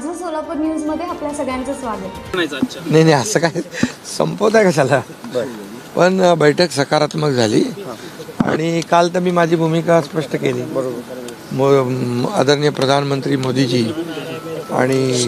माझं सोलापूर न्यूज मध्ये आपल्या सगळ्यांचं स्वागत. नाही नाही असं काय संपवत आहे कशाला. पण बैठक सकारात्मक झाली आणि काल तर मी माझी भूमिका स्पष्ट केली. आदरणीय प्रधानमंत्री मोदीजी आणि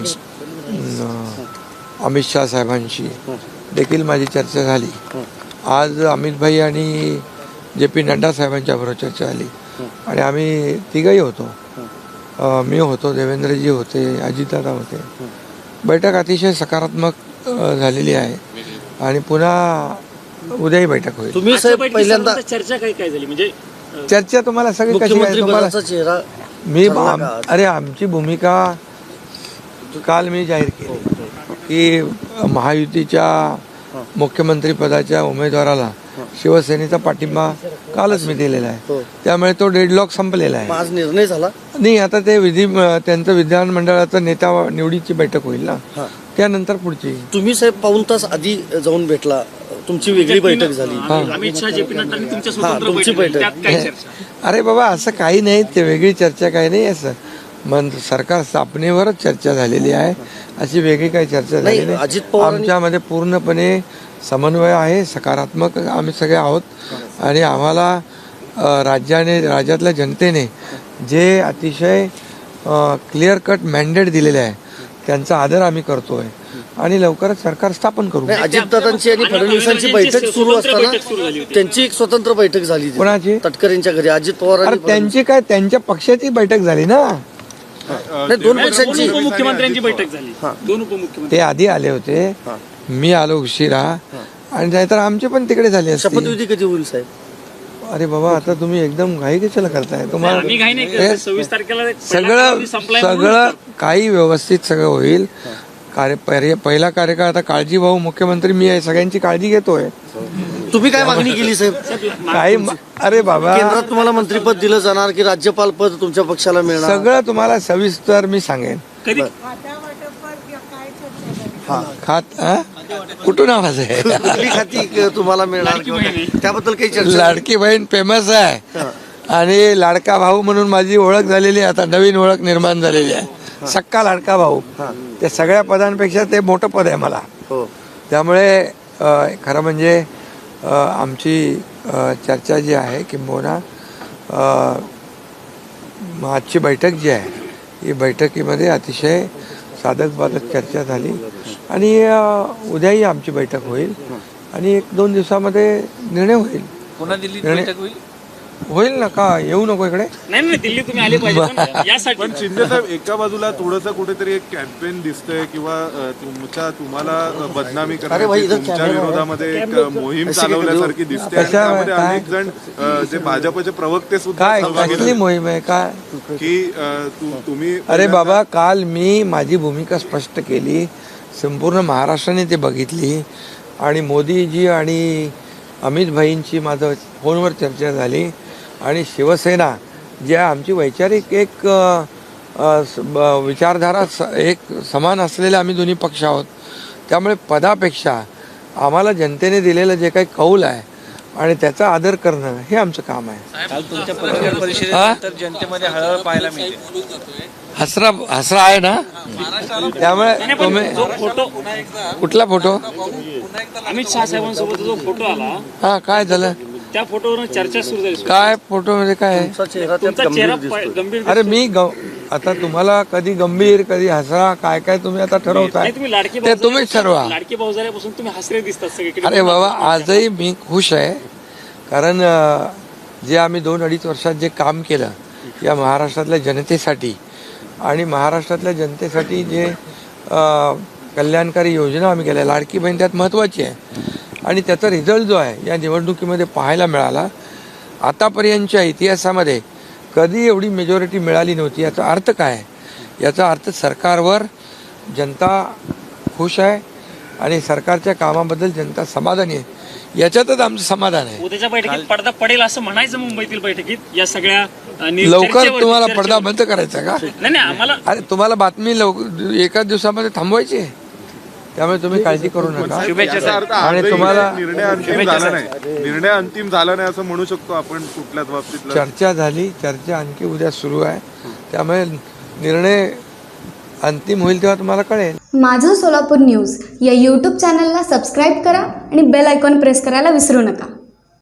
अमित शाह साहेबांशी देखील माझी चर्चा झाली. आज अमित भाई आणि JP नड्डा साहेबांच्या बरोबर चर्चा झाली आणि आम्ही तिघही होतो. मी होतो, देवेंद्रजी होते, अजितदादा होते. बैठक अतिशय सकारात्मक झालेली आहे आणि पुन्हा उद्याही बैठक होईल. तुम्ही साहेब पहिल्यांदा चर्चा काय झाली म्हणजे चर्चा तुम्हाला सगळी कशी आहे तुम्हाला चेहरा मी अरे आमची भूमिका काल मी जाहीर केली की महायुतीच्या मुख्यमंत्री पदाच्या उमेदवाराला शिवसेनेचा पाठिंबा कालच मी दिलेला आहे. त्यामुळे तो डेडलॉक संपलेला आहे. आज निर्णय झाला नाही, आता ते त्यांचं विधानमंडळाचं नेता निवडीची बैठक होईल ना, त्यानंतर पुढची. तुम्ही साहेब पाऊण तास आधी जाऊन भेटला, तुमची वेगळी बैठक झाली. अमित शाह JP नड्डांनी तुमच्या स्वतंत्र तुमची बैठक, बैठक. त्यात काय चर्चा? अरे बाबा असं काही नाही, ते वेगळी चर्चा काही नाही. असं मग सरकार स्थापनेवरच चर्चा झालेली आहे, अशी वेगळी काही चर्चा झाली नाही. अजित पवार आमच्यामध्ये पूर्णपणे समन्वय आहे, सकारात्मक आम्ही सगळे आहोत आणि आम्हाला राज्यातल्या जनतेने जे अतिशय क्लिअर कट मॅन्डेट दिलेले आहे त्यांचा आदर आम्ही करतोय आणि लवकरच सरकार स्थापन करू. अजितदादांची आणि फडणवीसांची बैठक सुरू असताना त्यांची एक स्वतंत्र बैठक झाली. कोणाची? तटकरेंच्या घरी अजित पवार आणि त्यांची काय, त्यांच्या पक्षाची बैठक झाली ना. दोन पक्षांची उपमुख्यमंत्र्यांची बैठक झाली. दोन उपमुख्यमंत्री ते आधी आले होते, मी आलो उशिरा आणि नाहीतर आमचे पण तिकडे झाले असते. शपथविधी कधी होईल साहेब? अरे बाबा आता तुम्ही एकदम घाई कशाला करताय? आम्ही तुम्हाला काही नाही करत. 26 तारखेला सगळं काही व्यवस्थित सगळं होईल. पहिला कार्यकाळ आता काळजी भाऊ मुख्यमंत्री मी आहे, सगळ्यांची काळजी घेतोय. तुम्ही काय मागणी केली साहेब? काही अरे बाबा केंद्रात तुम्हाला मंत्रीपद दिलं जाणार की राज्यपाल पद तुमच्या पक्षाला मिळणार? सगळं तुम्हाला सविस्तर मी सांगेन. कधी कुठून आवाज आहे? कुठली खाती तुम्हाला मिळणार त्याबद्दल काही चर्चा? लाडकी बहीण फेमस आहे आणि लाडका भाऊ म्हणून माझी ओळख झालेली आहे. आता नवीन ओळख निर्माण झालेली आहे, सक्का लाडका भाऊ. त्या सगळ्या पदांपेक्षा ते मोठं पद आहे मला. त्यामुळे खरं म्हणजे आमची चर्चा जी आहे किंबहुना आजची बैठक जी आहे ही बैठकीमध्ये अतिशय साधक बाधक चर्चा झाली आणि उद्याही आमची बैठक होईल आणि 1-2 दिवसामध्ये निर्णय होईल. पुन्हा दिल्लीत बैठक होईल ना. का येऊ नको इकडे? नाही दिल्ली तुम्ही आले पाहिजे यासाठी. पण शिंदे साहेब एका बाजूला थोडंसं कुठेतरी एक कॅम्पेन दिसतंय किंवा तुम्हाला बदनामी करण्याची तुमच्या विरोधामध्ये एक मोहीम चालवल्यासारखी दिसते आणि त्यामध्ये अनेक जण जे भाजपचे प्रवक्ते सुद्धा काय सहभागी कसली मोहीम आहे काय की तुम्ही अरे बाबा काल मी माझी भूमिका स्पष्ट केली, संपूर्ण महाराष्ट्राने ते बघितली आणि मोदीजी आणि अमित भाईंची माझं फोनवर चर्चा झाली आणि शिवसेना जी आहे आमची वैचारिक एक विचारधारा एक समान असलेले आम्ही दोन्ही पक्ष आहोत. त्यामुळे पदापेक्षा आम्हाला जनतेने दिलेलं जे काही कौल आहे आणि त्याचा आदर करणं हे आमचं काम आहे. जनतेमध्ये हळहळ पाहायला मिळते. हसरा आहे ना. त्यामुळे तुम्ही फोटो कुठला फोटो? अमित शाह साहेबांसोबत जो फोटो आला काय झालं? त्या फोटोवरून चर्चा सुरू झाली. काय फोटो मध्ये काय आहे? तुमचा चेहरा गंभीर. अरे मी आता तुम्हाला कधी गंभीर कधी हसरा काय काय तुम्ही आता ठरवताय तुम्ही लाडके ते तुम्हीच ठरवा. लाडके भाऊ झाल्यापासून तुम्ही हसरे दिसतात सगळीकडे. अरे बाबा आजही मी खुश आहे कारण जे आम्ही 2-2.5 वर्षात जे काम केलं या महाराष्ट्रातल्या जनतेसाठी आणि महाराष्ट्रातल्या जनतेसाठी जे कल्याणकारी योजना आम्ही केल्या, लाडकी बहीण त्यात महत्त्वाची आहे आणि त्याचा रिझल्ट जो आहे या निवडणुकीमध्ये पाहायला मिळाला. आतापर्यंतच्या इतिहासामध्ये कधी एवढी मेजॉरिटी मिळाली नव्हती. याचा अर्थ काय? याचा अर्थ सरकारवर जनता खुश आहे आणि सरकारच्या कामाबद्दल जनता समाधानी आहे. याच्यातच आमचं समाधान आहे. उद्याच्या बैठकीत पडदा पडेल असं म्हणायचं मुंबईतील बैठकीत या सगळ्या लवकर तुम्हाला पडदा बंद करायचा का? नाही आम्हाला अरे तुम्हाला बातमी एकाच दिवसामध्ये थांबवायची आहे. त्यामुळे तुम्ही काळजी करू नका आणि तुम्हाला निर्णय अंतिम झाला नाही असं म्हणू शकतो आपण कुठल्याच बाबतीत. चर्चा झाली, चर्चा आणखी उद्या सुरू आहे. त्यामुळे निर्णय अंतिम होईल तेव्हा तुम्हाला कळेल. माझं सोलापूर न्यूज या यूट्यूब चॅनलला सबस्क्राईब करा आणि बेल आयकॉन प्रेस करायला विसरू नका.